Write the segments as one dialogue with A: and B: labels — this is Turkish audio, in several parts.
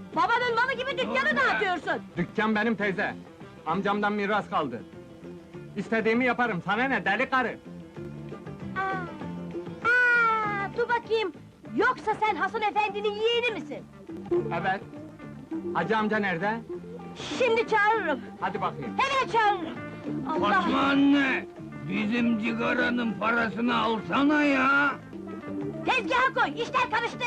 A: Babanın malı gibi dükkanı dağıtıyorsun!
B: Dükkan benim teyze. Amcamdan miras kaldı. İstediğimi yaparım, sana ne deli karı?
A: Dur bakayım! Yoksa sen Hasan efendinin yeğeni misin?
B: Evet. Hacı amca nerede?
A: Şimdi çağırırım!
B: Hadi bakayım.
A: Hemen çağırırım! Allah!
C: Fatma anne! Bizim cigaranın parasını alsana ya!
A: Tezgaha koy, işler karıştı!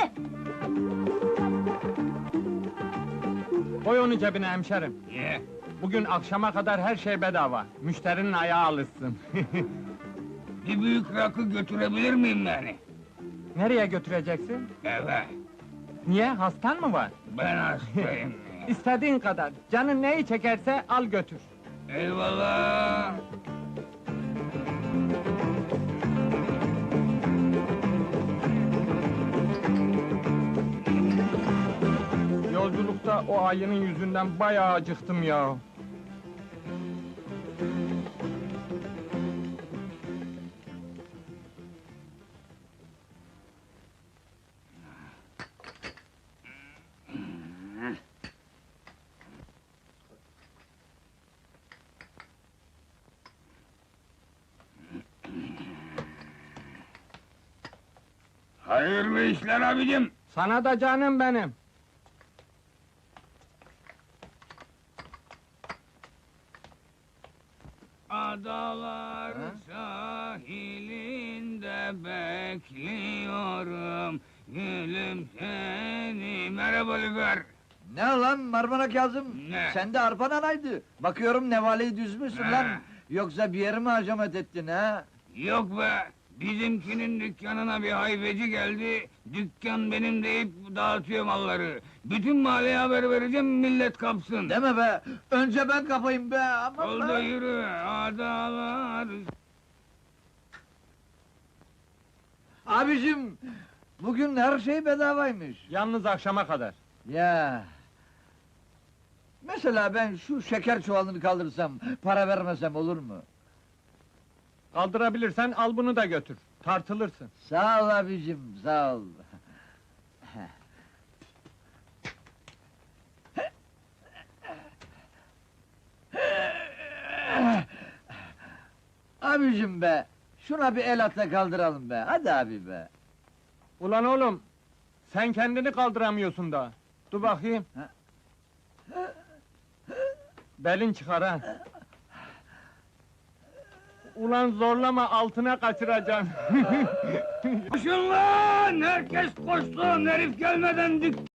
B: Koy onu cebine hemşerim.
C: Ye!
B: Bugün akşama kadar her şey bedava. Müşterinin ayağı alışsın.
C: Bir büyük rakı götürebilir miyim yani?
B: Nereye götüreceksin?
C: Eve!
B: Niye, hastan mı var?
C: Ben hastayım!
B: İstediğin kadar, canın neyi çekerse al götür.
C: Eyvallah!
B: Yolculukta o ayının yüzünden bayağı acıktım ya.
C: Hayırlı işler abicim!
B: Sana da canım benim.
C: Adalar sahilinde bekliyorum gülüm seni. Merhaba Lüfer!
D: Ne lan Marmara Kazım?
C: Ne?
D: Sende arpan anaydı. Bakıyorum nevaleyi düzmüşsün
C: Ne?
D: lan. Yoksa bir yere mi hacamet ettin ha?
C: Yok be! Bizimkinin dükkanına bir hayfeci geldi, dükkan benim deyip dağıtıyor malları. Bütün mahalleye haber vereceğim, millet kapsın.
D: Deme be! Önce ben kapayım be! Aman
C: Oldu
D: be!
C: yürü, adalar...
D: Abicim! Bugün her şey bedavaymış.
B: Yalnız akşama kadar.
D: Ya! Mesela ben şu şeker çuvalını kaldırsam, para vermesem olur mu?
B: Kaldırabilirsen al bunu da götür. Tartılırsın.
D: Sağ ol abicim, sağ ol. Abicim be! Şuna bir el atla kaldıralım be, hadi abi be!
B: Ulan oğlum, sen kendini kaldıramıyorsun da. Dur bakayım. Belin çıkar ha. Ulan zorlama, altına kaçıracaksın.
C: Koşun lan! Herkes koşsun! Herif gelmeden